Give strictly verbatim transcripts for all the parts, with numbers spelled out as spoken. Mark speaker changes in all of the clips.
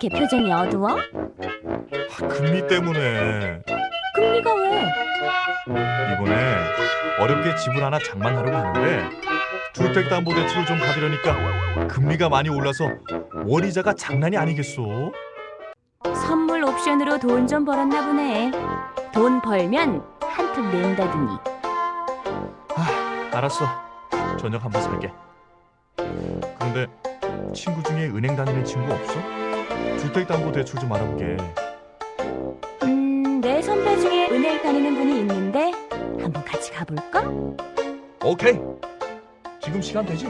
Speaker 1: 이렇게 표정이 어두워?
Speaker 2: 아, 금리 때문에.
Speaker 1: 금리가 왜?
Speaker 2: 이번에 어렵게 집을 하나 장만하려고 하는데 주택담보대출을 좀 받으려니까 금리가 많이 올라서 월이자가 장난이 아니겠소?
Speaker 1: 선물 옵션으로 돈 좀 벌었나 보네. 돈 벌면 한푼 낸다더니.
Speaker 2: 아, 알았어. 저녁 한번 살게. 그런데 친구 중에 은행 다니는 친구 없어? 주택담보대출 좀 알아보게.
Speaker 1: 음, 내 선배 중에 은행 다니는 분이 있는데 한번 같이 가볼까?
Speaker 2: 오케이. 지금 시간 되지?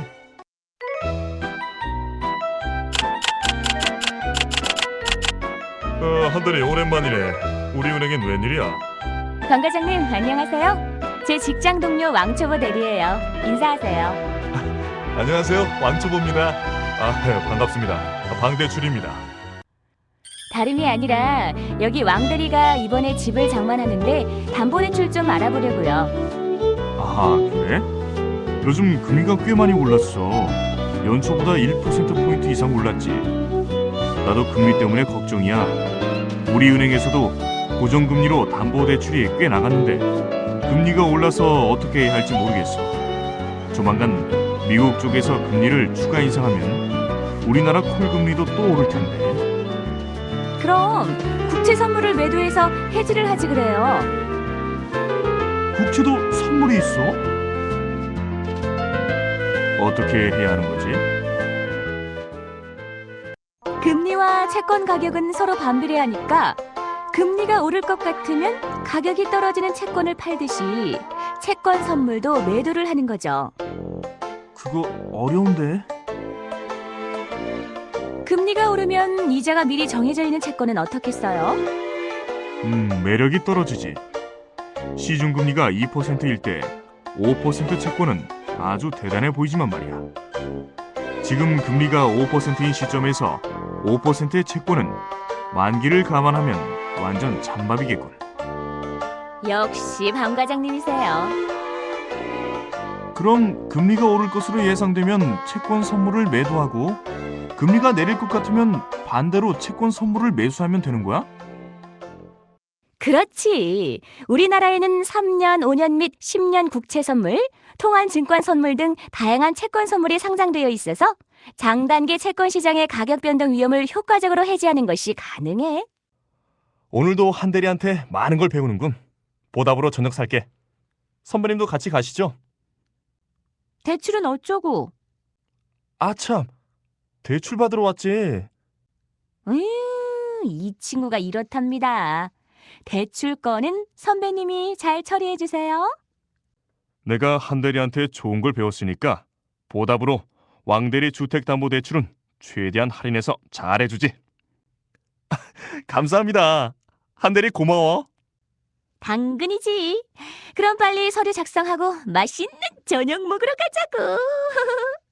Speaker 2: 어, 한달이 오랜만이네. 우리 은행엔 웬일이야?
Speaker 1: 강 과장님, 안녕하세요. 제 직장 동료 왕초보 대리예요. 인사하세요.
Speaker 2: 안녕하세요. 왕초보입니다. 아, 네, 반갑습니다. 방대출입니다.
Speaker 1: 다름이 아니라 여기 왕 대리가 이번에 집을 장만하는데 담보대출 좀 알아보려고요.
Speaker 2: 아, 그래? 요즘 금리가 꽤 많이 올랐어. 연초보다 일 퍼센트 포인트 이상 올랐지. 나도 금리 때문에 걱정이야. 우리 은행에서도 고정금리로 담보대출이 꽤 나갔는데 금리가 올라서 어떻게 해야 할지 모르겠어. 조만간 미국 쪽에서 금리를 추가 인상하면 우리나라 콜금리도 또 오를 텐데.
Speaker 1: 그럼 국채 선물을 매도해서 해지를 하지 그래요.
Speaker 2: 국채도 선물이 있어? 어떻게 해야 하는 거지?
Speaker 1: 금리와 채권 가격은 서로 반비례하니까 금리가 오를 것 같으면 가격이 떨어지는 채권을 팔듯이 채권 선물도 매도를 하는 거죠.
Speaker 2: 그거 어려운데.
Speaker 1: 금리가 오르면 이자가 미리 정해져 있는 채권은 어떻게 써요?
Speaker 2: 음, 매력이 떨어지지. 시중금리가 이 퍼센트일 때 오 퍼센트 채권은 아주 대단해 보이지만 말이야. 지금 금리가 오 퍼센트인 시점에서 오 퍼센트의 채권은 만기를 감안하면 완전 찬밥이겠군.
Speaker 1: 역시 방 과장님이세요.
Speaker 2: 그럼 금리가 오를 것으로 예상되면 채권 선물을 매도하고 금리가 내릴 것 같으면 반대로 채권 선물을 매수하면 되는 거야?
Speaker 1: 그렇지. 우리나라에는 삼 년, 오 년 및 십 년 국채 선물, 통한 증권 선물 등 다양한 채권 선물이 상장되어 있어서 장단기 채권 시장의 가격 변동 위험을 효과적으로 해지하는 것이 가능해.
Speaker 2: 오늘도 한 대리한테 많은 걸 배우는군. 보답으로 저녁 살게. 선배님도 같이 가시죠.
Speaker 1: 대출은 어쩌고?
Speaker 2: 아 참, 대출 받으러 왔지.
Speaker 1: 으, 이 친구가 이렇답니다. 대출 건은 선배님이 잘 처리해 주세요.
Speaker 2: 내가 한 대리한테 좋은 걸 배웠으니까 보답으로 왕대리 주택담보대출은 최대한 할인해서 잘해주지. 감사합니다. 한 대리 고마워.
Speaker 1: 당근이지. 그럼 빨리 서류 작성하고 맛있는 저녁 먹으러 가자고.